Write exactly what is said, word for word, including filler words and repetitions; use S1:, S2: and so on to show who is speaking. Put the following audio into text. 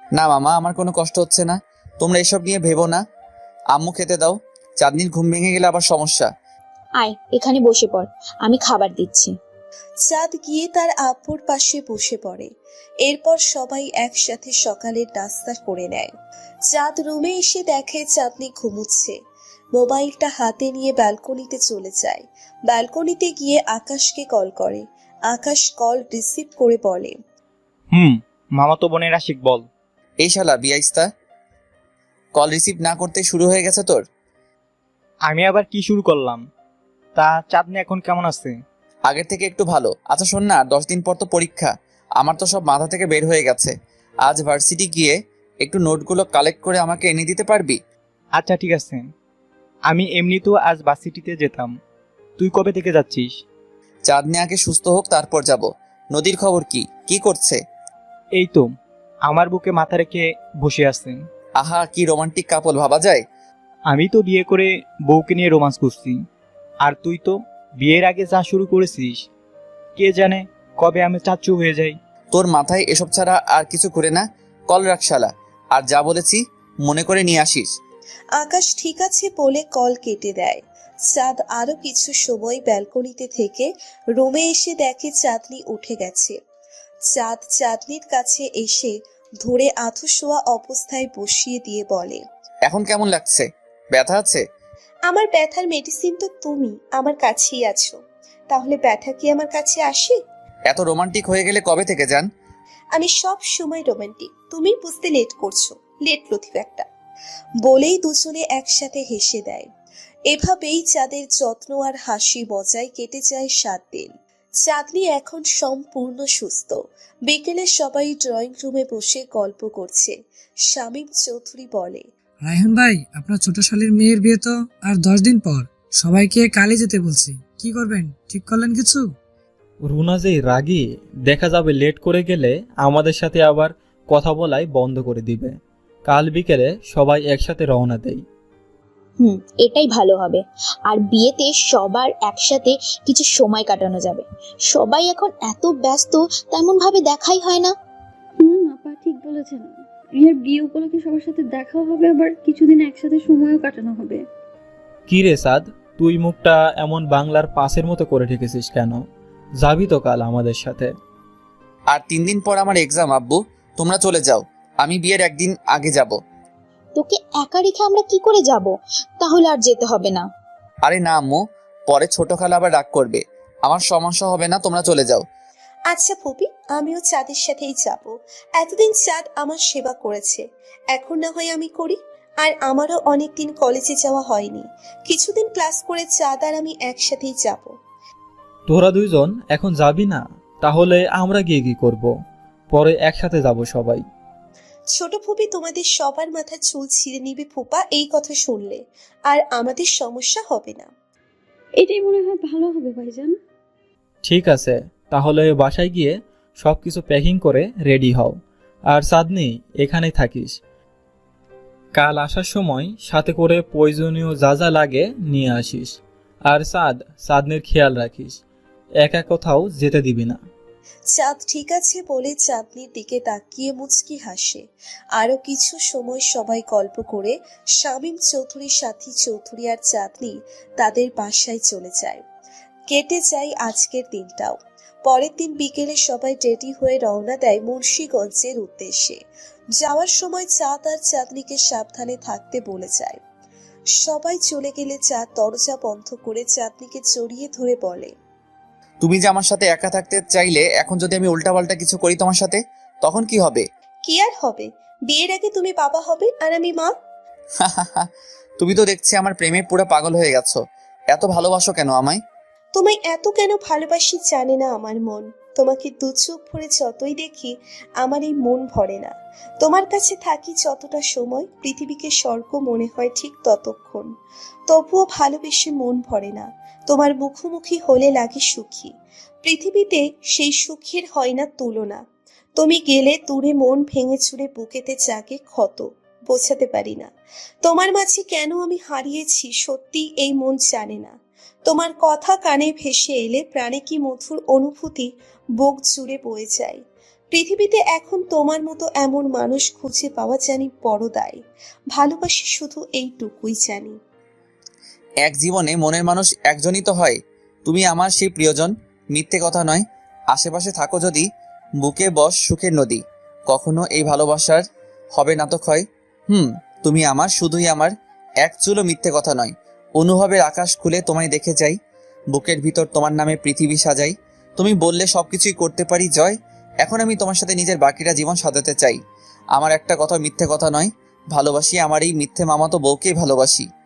S1: না মামা, আমার কোনো কষ্ট হচ্ছে না। তোমরা এসব নিয়ে ভেবো না। আম্মু খেতে দাও। চাঁদনির ঘুম ভেঙে গেলে আবার সমস্যা।
S2: আয় এখানে বসে পড়, আমি খাবার দিচ্ছি।
S3: চাঁদ গিয়ে তার আব্বুর পাশে বসে পড়ে। এরপর সবাই একসাথে সকালের নাস্তা করে নেয়। চাঁদ রুমে এসে দেখে চাঁদনি ঘুমুচ্ছে। মোবাইলটা হাতে নিয়ে ব্যালকনিতে চলে যায়। ব্যালকনিতে গিয়ে আকাশকে কল করে। আকাশ কল রিসিভ করে বলে,
S4: হুম, মামাতো বোনের আশিক বল।
S1: এই শালা বিয়াইস্তা, কল রিসিভ না করতে শুরু হয়ে গেছে তোর।
S4: আমি আবার কি শুরু করলাম? তা চাঁদনি এখন কেমন আছে?
S1: আগের থেকে একটু ভালো। আচ্ছা শোন না, দশ দিন পর তো পরীক্ষা। আমার তো সব মাথা থেকে বের হয়ে গেছে। আজ ভার্সিটি গিয়ে একটু নোটগুলো কালেক্ট করে আমাকে এনে দিতে পারবি?
S4: আচ্ছা ঠিক আছে, আমি এমনিতেও আজ ভার্সিটিতে যেতাম। তুই কবে থেকে যাচ্ছিস?
S1: চাঁদনি আগে সুস্থ হোক, তারপর যাব। নদীর খবর কি? কি করছে?
S4: এই তো আমার বুকে মাথা রেখে বসে আছেন।
S1: আহা, কি রোমান্টিক কাপল ভাবা যায়।
S4: আমি তো বিয়ে করে বউকে নিয়ে রোমান্স করছি, আর তুই তো বিয়ের আগে যা শুরু করেছিস, কে জানে কবে আমি চাচ্চু হয়ে যাই।
S1: তোর মাথায় এসব ছাড়া আর কিছু করে না। কল রাখ শালা, আর যা বলেছি মনে করে নিয়ে আসিস।
S3: আকাশ ঠিক আছে বলে কল কেটে দেয়। চাঁদ আরো কিছু সময় ব্যালকনিতে থেকে রুমে এসে দেখে চাঁদনি উঠে গেছে। চাঁদ চাঁদনির কাছে এসে ধরে আঁথু শোয়া অবস্থায় বসিয়ে দিয়ে বলে,
S1: এখন কেমন লাগছে? ব্যথা আছে?
S3: আমার ব্যথার মেডিসিন তো তুমি আমার কাছেই আছো, তাহলে ব্যথা কি আমার কাছে আসে?
S1: এত রোমান্টিক হয়ে গেলে কবে থেকে যান?
S3: আমি সব সময় রোমান্টিক, তুমি বুঝতে লেট করছো। লেট লতিফ একটা। বলেই দুজনে একসাথে হেসে দেয়। এভাবেই চাঁদের যত্ন আর হাসি মজায় কেটে যায় সাত দিন। চাঁদনি এখন সম্পূর্ণ সুস্থ। বিকেলে সবাই ড্রয়িং রুমে বসে গল্প করছে। শামীম চৌধুরী বলে,
S5: রায়হান ভাই, আপনার ছোট শালীর মেয়ের বিয়ে তো আর দশ দিন পর। সবাইকে কালই যেতে বলছি, কি করবেন ঠিক করলেন কিছু?
S6: রুনা যে রাগী, দেখা যাবে লেট করে গেলে আমাদের সাথে আবার কথা বলাই বন্ধ করে দিবে। কাল বিকেলে সবাই একসাথে রওনা দেই।
S2: হুম, এটাই ভালো হবে। আর বিয়েতে সবার একসাথে কিছু সময় কাটানো যাবে। সবাই এখন এত ব্যস্ত, তেমন ভাবে দেখাই হয় না।
S7: হুম আপা ঠিক বলেছেন। এর বিয়ে উপলক্ষে সবার সাথে দেখাও হবে, আবার কিছুদিন একসাথে সময়ও কাটানো হবে।
S6: কি রে সাদ, তুই মুখটা এমন বাংলার পাসের মতো করে রেখেছিস কেন? যাবি তো কাল আমাদের সাথে?
S1: আর তিন দিন পর আমার এক্সাম আব্বু। তোমরা চলে যাও, আমি বিয়ের একদিন আগে যাব।
S2: তোকে একা রেখে আমরা কি করে যাব? তাহলে আর যেতে হবে না।
S1: আরে না আম্মু, পরে ছোট খালা আবার রাগ করবে। আমার সমস্যা হবে না, তোমরা চলে যাও।
S3: আচ্ছা ফুপি, আমিও চাঁদের সাথেই যাব। এতদিন চাঁদ আমার সেবা করেছে, এখন না হয় আমি করি। আর আমারও অনেকদিন কলেজে যাওয়া হয়নি। কিছুদিন ক্লাস করে চাঁদ আর আমি একসাথেই যাব।
S6: তোরা দুইজন এখন যাবি না? তাহলে আমরা গিয়ে কি করব? পরে একসাথে যাব সবাই।
S3: ছোট ফুপি তোমাদের সবার মাথার চুল ছিঁড়ে নিবে ফুপা এই কথা শুনলে, আর আমাদের সমস্যা হবে না।
S7: এটাই মনে হয় ভালো হবে ভাইজান।
S6: ঠিক আছে, তাহলে বাসায় গিয়ে সব কিছু প্যাকিং করে রেডি হও। আর চাঁদনি, এখানেই থাকিস। কাল আসার সময় সাথে করে প্রয়োজনীয় যা যা লাগে নিয়ে আসিস। আর চাঁদ, চাঁদনির খেয়াল রাখিস, একা কোথাও যেতে দিবি না।
S3: চাঁদ ঠিক আছে বলে চাঁদনির দিকে তাকিয়ে মুচকি হাসে। আরো কিছু সময় সবাই গল্প করে শামীম চৌধুরী, সাথী চৌধুরী আর চাঁদনি তাদের বাসায় চলে যায়। কেটে যায় আজকের দিনটাও। পরের দিন বিকেলে সবাই রেডি হয়ে রওনা দেয় মুন্সিগঞ্জের উদ্দেশ্যে। যাওয়ার সময় চাঁদ আর চাঁদনিকে সাবধানে থাকতে বলে যায়। সবাই চলে গেলে চাঁদ দরজা বন্ধ করে চাঁদনিকে জড়িয়ে ধরে বলে,
S1: তুমি যে আমার সাথে একা থাকতে চাইলে, এখন যদি আমি উল্টাপাল্টা কিছু করি তোমার সাথে, তখন কি হবে?
S3: কি আর হবে, বিয়ের আগে তুমি বাবা হবে আর আমি মা।
S1: তুমি তো দেখছি আমার প্রেমে পুরো পাগল হয়ে গেছো। এত ভালোবাসো কেন আমায়?
S3: তোমায় এত কেন ভালোবাসি জানে না আমার মন। তোমাকে দু চোখ ভরে যতই দেখি আমার এই মন ভরে না। তোমার কাছে থাকি যতটা সময় পৃথিবীকে স্বর্গ মনে হয় ঠিক ততক্ষণ। তবুও ভালোবেসে মন ভরে না। তোমার মুখোমুখি হলে লাগে সুখী। পৃথিবীতে সেই সুখের হয় না তুলনা। তুমি গেলে দূরে মন ভেঙে চুরে বুকেতে জাগে ক্ষত। বোঝাতে পারি না তোমার মাঝে কেন আমি হারিয়েছি, সত্যি এই মন জানে না। তোমার কথা কানে ভেসে এলে প্রাণে কি মধুর অনুভূতি বুক জুড়ে বয়ে যায়। পৃথিবীতে এখন তোমার মতো এমন মানুষ খুঁজে পাওয়া জানি বড় দায়। ভালোবাসি শুধু এইটুকুই জানি।
S1: এক জীবনে মনের মানুষ একজনই তো হয়, তুমি আমার সেই প্রিয়জন, মিথ্যে কথা নয়। আশেপাশে থাকো যদি, বুকে বস সুখের নদী, কখনো এই ভালোবাসার হবে না তো ক্ষয়। হুম তুমি আমার, শুধুই আমার, এক চুলো মিথ্যে কথা নয়। অনুভবের আকাশ খুলে তোমায় দেখে যাই, বুকের ভিতর তোমার নামে পৃথিবী সাজাই। তুমি বললে সবকিছুই করতে পারি জয়, এখন আমি তোমার সাথে নিজের বাকিটা জীবন সাজাতে চাই। আমার একটা কথা মিথ্যে কথা নয়, ভালোবাসি আমার এই মিথ্যে মামাতো বউকেই ভালোবাসি।